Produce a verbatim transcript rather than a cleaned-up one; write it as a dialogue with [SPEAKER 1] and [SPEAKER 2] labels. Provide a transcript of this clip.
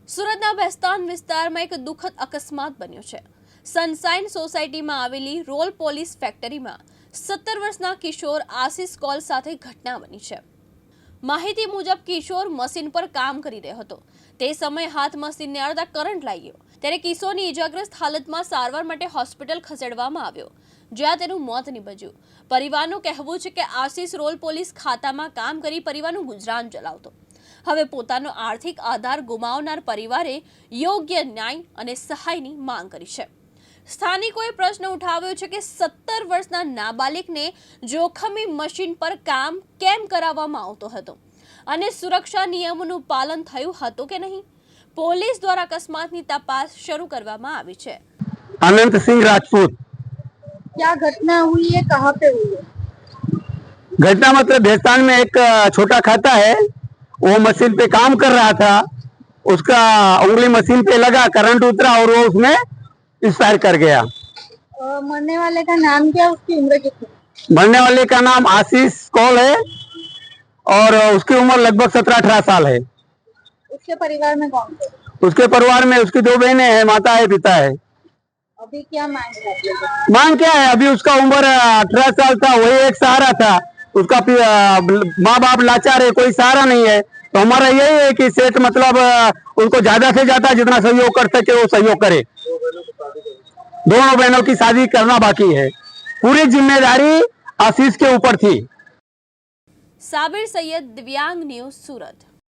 [SPEAKER 1] સુરતના બેસ્તાન વિસ્તારમાં એક દુઃખદ અકસ્માત બન્યો છે। સનશાઇન સોસાયટીમાં આવેલી રોલ પોલીસ ફેક્ટરીમાં સત્તર વર્ષના કિશોર આશિષ કોલ સાથે ઘટના બની છે। માહિતી મુજબ કિશોર મશીન પર કામ કરી રહ્યો હતો। તે સમયે હાથ મશીનને અડધા કરંટ લાગ્યો ત્યારે કિશોરની ઇજાગ્રસ્ત હાલતમાં સારવાર માટે હોસ્પિટલ ખસેડવામાં આવ્યો, જ્યાં તેનું મોત નીપજ્યું। પરિવારનું કહેવું છે કે આશિષ રોલ પોલીસ ખાતામાં કામ કરી પરિવારનું ગુજરાન ચલાવતો। હવે પોતાનો આર્થિક આધાર ગુમાવનાર પરિવારે યોગ્ય ન્યાય અને સહાયની માંગ કરી છે। સ્થાનિકોએ પ્રશ્ન ઉઠાવ્યો છે કે સત્તર વર્ષના નાબાલિગને જોખમી મશીન પર કામ કેમ કરાવવામાં આવતો હતો અને સુરક્ષા નિયમોનું પાલન થયું હતું કે નહીં। પોલીસ દ્વારા અકસ્માતની તપાસ શરૂ કરવામાં આવી છે।
[SPEAKER 2] अनंत सिंह राजपूत।
[SPEAKER 3] क्या घटना हुई है, कहाँ पे हुई है?
[SPEAKER 2] घटना मतलब भैंसाण में एक छोटा खाता है, वो मशीन पे काम कर रहा था, उसका उंगली मशीन पे लगा, करंट उतरा और वो उसमें एक्सपायर कर गया।
[SPEAKER 3] अ, मरने वाले का नाम क्या, उसकी उम्र कितनी?
[SPEAKER 2] मरने वाले का नाम आशीष कौल है और उसकी उम्र लगभग सत्रह अठारह साल है।
[SPEAKER 3] उसके परिवार में कौन थे?
[SPEAKER 2] उसके परिवार में उसकी दो बहनें हैं, माता है, पिता है।
[SPEAKER 3] अभी क्या मांग है?
[SPEAKER 2] मांग क्या है, अभी उसका उम्र अठारह साल था, वही एक सहारा था। उसका माँ बाप लाचार है, कोई सहारा नहीं है, तो हमारा यही है कि सेठ मतलब उसको ज्यादा से ज्यादा जितना सहयोग कर सके वो सहयोग करे। दोनों बहनों की शादी करना बाकी है, पूरी जिम्मेदारी आशीष के ऊपर थी।
[SPEAKER 1] साबिर सैयद, दिव्यांग न्यूज, सूरत।